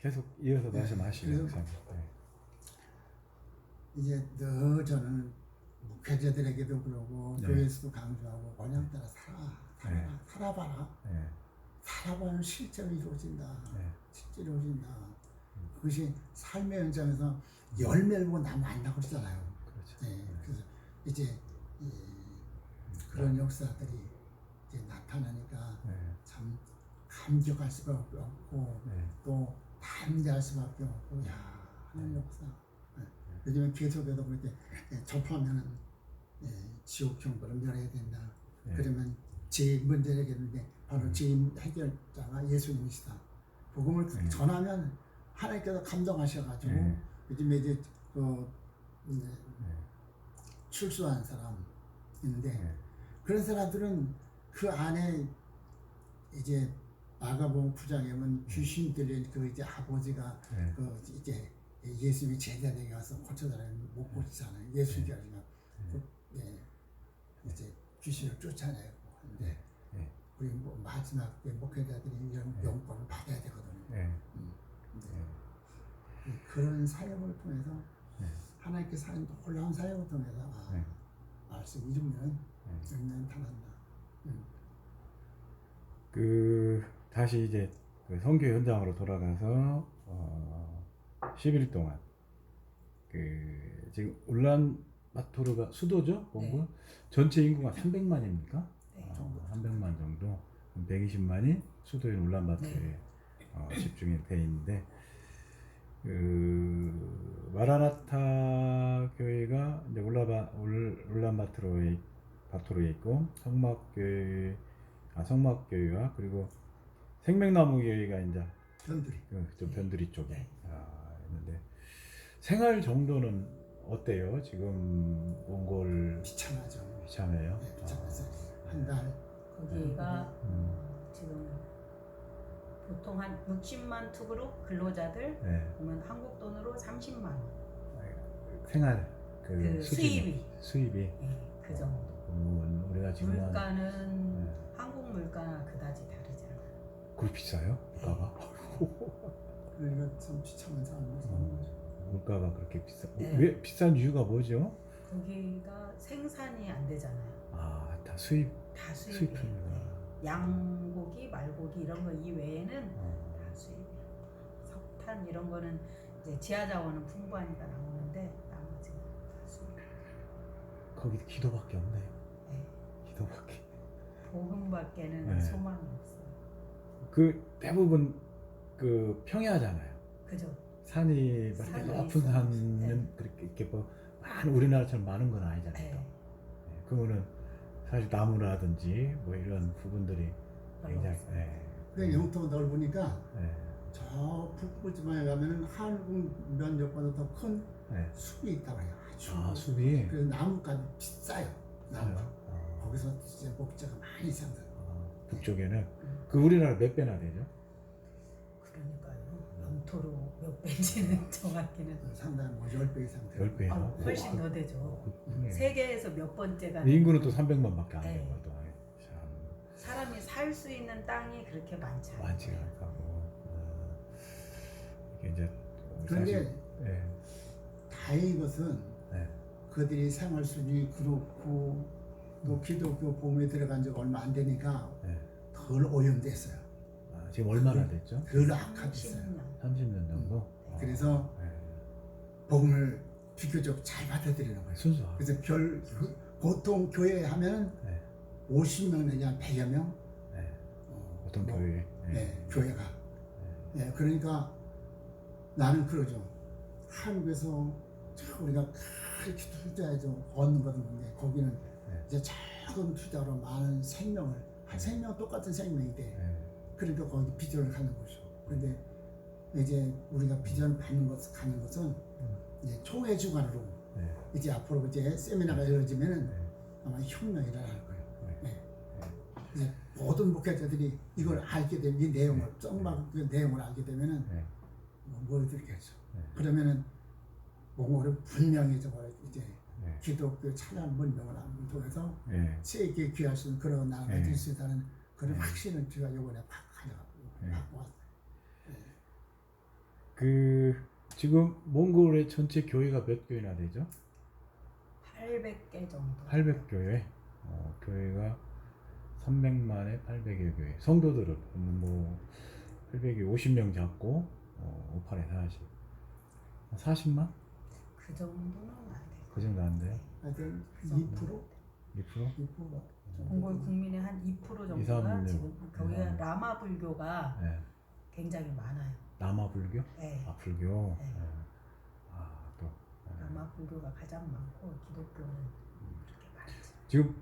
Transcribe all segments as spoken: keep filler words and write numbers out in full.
계속 이어서 네, 말씀하시죠. 그래서 목사님. 네. 이제 늘 저는 목회자들에게도 그러고 네. 교회에서도 강조하고 원양 따라 살아, 살아, 네. 살아봐라. 네. 살아봐야 실제로 이루어진다. 네. 실제로 이루어진다. 그것이 삶의 현장에서 열매를 보고 나면 안다고 그러잖아요. 그렇죠. 네, 그래서 이제 이, 그런 역사들이 이제 나타나니까 네. 참 감격할 수밖에 없고 네. 또 담대할 수밖에 없고 야 하는 역사. 네. 요즘에 계속해서 그렇게 접하면은 예, 지옥 형벌을 면해야 된다. 네. 그러면 제일 문제를 해결하는데 바로 제일 해결자가 예수님이시다. 복음을 네. 전하면 하나님께서 감동하셔가지고 네. 요즘에 이제 그 이제 네. 출소한 사람 있는데 네. 그런 사람들은 그 안에 이제 마가복음 구 장에 보면 귀신 들린 그 이제 아버지가 네. 그 이제 예수님이 제자에게 가서 고쳐달라는 못 고치잖아요. 예수님이 아니면 그, 예, 이제 귀신을 쫓아내고 하는데 네. 우리 뭐 마지막 때 목회자들이 이런 네. 영권을 받아야 되거든요. 네. 음, 근데 네. 그런 사역을 통해서 네. 하나님께서 하는 놀라운 사역을 통해서 아, 네. 말씀 이루면 네. 영년 타난다. 음. 그 다시 이제 그 선교 현장으로 돌아가서 어, 십 일 동안 그 지금 울란바토르가 수도죠, 본부. 네. 전체 인구가 삼백만입니까? 네. 어, 삼백만 정도, 백이십만이 수도인 울란바토르에 네. 어, 집중이 돼 있는데 그 마라나타 교회가 이제 울라바 울, 울란바토르에 바토르에 있고 성막교회 아 성막교회와 그리고 생명나무 교회가 이제 변두리. 그, 좀 변두리 쪽에 네. 아, 있는데 생활 정도는 어때요? 지금 몽골 비참하죠. 비참해요? 네, 비참해서 한 달. 거기가 음, 지금 보통 한 육십만 투그룹 근로자들 네. 보면 한국 돈으로 삼십만 원. 생활 그, 그 수준이, 수입이. 수입이 예, 그 정도. 음, 우리가 지금 한 물가는 네. 한국 물가나 그다지 다르지 않아요. 그렇게 비싸요? 물가가? 그러니까 참 비참한 사람이 사는 거죠. 물가가 그렇게 비싸? 네. 왜 비싼 이유가 뭐죠? 거기가 생산이 안 되잖아요. 아, 다 수입 다 수입이에요. 수입품이구나. 네. 양고기, 말고기 이런 거 이외에는 어. 다 수입이에요. 석탄 이런 거는 이제 지하 자원은 풍부하니까 나오는데 나머지는 다 수입. 거기 기도밖에 없네. 네. 기도밖에. 복음밖에는 네. 소망이 없어요. 그 대부분 그 평야잖아요. 그죠? 산이 막 산이 높은 있어요. 산은 네. 그렇게 이렇게 뭐 많은 우리나라처럼 많은 건 아니잖아요. 네. 또. 네. 그거는 사실 나무라든지 뭐 이런 부분들이 굉장히. 네. 그 영토가 넓으니까 네. 저 북부 지방에 가면은 한국 면적보다 더 큰 네. 숲이 있다고 해요. 아주. 아, 숲이. 그래서 나무까지 비싸요. 나무. 비싸요? 어. 거기서 진짜 목재가 많이 생산. 어, 북쪽에는 그 우리나라 몇 배나 되죠? 그러니까요. 영토로 몇 배인지는 정확히는 상당히 뭐열 배 이상 돼요. 열 배나? 아, 훨씬 더 되죠. 네. 세계에서 몇 번째가 인구는 또 삼백만밖에 안 네. 되고 또 참 사람이 살 수 있는 땅이 그렇게 많지 않아요. 많지가 않다고. 어, 이게 이제 그런데 사실, 네. 다행인 것은 네. 그들이 생활 수준이 그렇고 또 기독교 보험에 들어간 지 얼마 안 되니까 네. 덜 오염됐어요. 아, 지금 얼마나 됐죠? 덜 악화됐어요. 삼십 년. 삼십 년 정도? 음. 그래서 네. 복음을 비교적 잘 받아들이는 거예요. 순수하고. 그래서 별 보통 교회 하면 네. 오십 명 내지 백여 명 네. 어, 어떤 뭐, 교회? 네. 네, 교회가. 네. 네, 그러니까 나는 그러죠. 한국에서 참 우리가 그렇게 투자해서 얻는 것은 뭔데 거기는 네. 이제 작은 투자로 많은 생명을 한 생명 똑같은 생명이 돼. 네. 그러니까 거기 비전을 갖는 거죠. 그런데 이제 우리가 비전을 받는 것 가는 것은 이제 총회 주관으로 네. 이제 앞으로 이제 세미나가 이루어지면은 네. 아마 혁명이 일어날 거예요. 네. 네. 이제 모든 목회자들이 이걸 알게 되면 이 내용을 썩막 그 내용을 알게 되면은 네. 뭐 모여들겠죠. 네. 그러면은 몽골은 분명히 저거 이제 네. 기독교 찬양 문명을 통해서 네. 세계에 귀할 수 있는 그런 나라가 네. 될 수 있다는 그런 네. 확신을 제가 이번에 확 가져가고 네. 갖고 왔어요. 그 지금 몽골의 전체 교회가 몇 교회나 되죠? 팔백 개 정도. 팔백 교회. 어, 교회가 삼백만에 팔백여 교회. 성도들은 뭐 팔백이 오십 명 잡고 어, 오팔에 사십. 사십만? 그 정도는 안 돼요. 그 정도 안 돼요? 하여튼 그 이 정도. 퍼센트 이 퍼센트? 이 퍼센트가 몽골 국민의 한 이 퍼센트 이, 정도가 삼, 지금 거기가 네. 라마 불교가 네. 굉장히 많아요. 남아 불교? 네. 아 불교. 네. 네. 아 또. 네. 라마 불교가 가장 많고 기독교는 그렇게 많지. 지금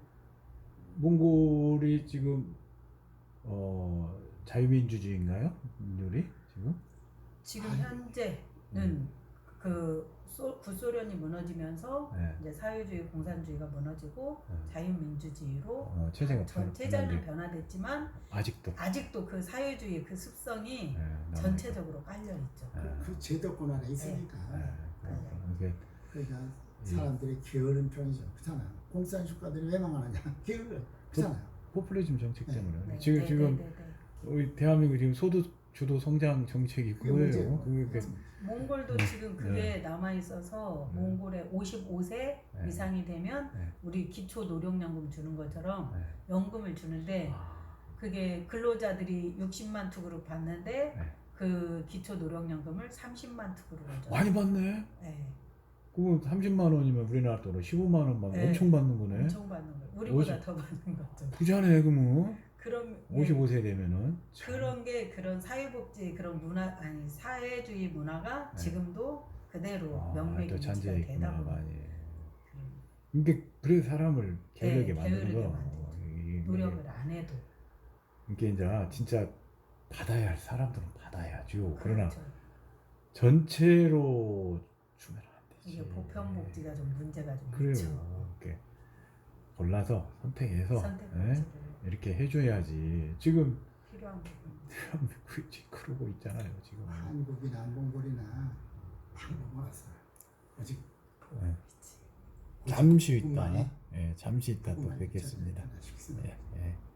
몽골이 지금 어 자유민주주의인가요? 민들이 지금? 지금 아니, 현재는 음. 그 소, 구소련이 무너지면서 네. 이제 사회주의 공산주의가 무너지고 네. 자유민주주의로 어, 체제가 전 변- 체제는 변화돼. 변화됐지만 아직도. 아직도 그 사회주의 그 습성이 네, 남아있고. 전체적으로 깔려 있죠. 네. 그 제도권 안에 있으니까 네. 이게 그러니까 예. 사람들이 게으른 편이죠. 그렇잖아요. 공산주의자들이 왜 망하느냐? 게을러. 그렇잖아요. 포퓰리즘 정책 네. 때문에 네, 지금 네, 지금 네, 네, 네. 우리 대한민국 지금 소득 주도 성장 정책이 그게 그거예요. 문제예요. 그게 그- 몽골도 네. 지금 그게 남아 있어서 네. 몽골에 오십오 세 네. 이상이 되면 네. 우리 기초 노령연금 주는 것처럼 네. 연금을 주는데 아, 그게 근로자들이 육십만 투구를 받는데 네. 그 기초 노령연금을 삼십만 투구로 줘요. 많이 받네. 네, 그럼 삼십만 원이면 우리나라 돈으로 십오만 원 받는 네. 엄청 받는 거네. 엄청 받는 거예요. 우리보다 오십- 더 받는 거죠. 부자네 그러면 그럼 예, 오십오 세 되면은 참. 그런 게 그런 사회복지 그런 문화 아니 사회주의 문화가 네. 지금도 그대로 아, 명맥이 또 유지가 잔재 되다 있구나 보니 많이. 그런 이게 그래 사람을 게으르게 네, 만드는 게으르게 거. 만들죠. 어, 이게- 노력을 안 해도 이게 이제 진짜 받아야 할 사람들은 받아야죠. 그러나 그렇죠. 전체로 주면 안 되지. 이게 보편복지가 좀 문제가 좀 그래요. 있죠. 이렇게 골라서 선택해서 선택복지를 예? 이렇게 해줘야지. 지금 필요한 부분. 대한민국이 그러고 있잖아요. 지금. 한국이나 몽골이나 방법 알았어요. 오직 예. 잠시 있다. 뿐만이 예, 잠시 있다 또 뿐만이 뵙겠습니다. 저는 하나 싶습니다. 예, 예.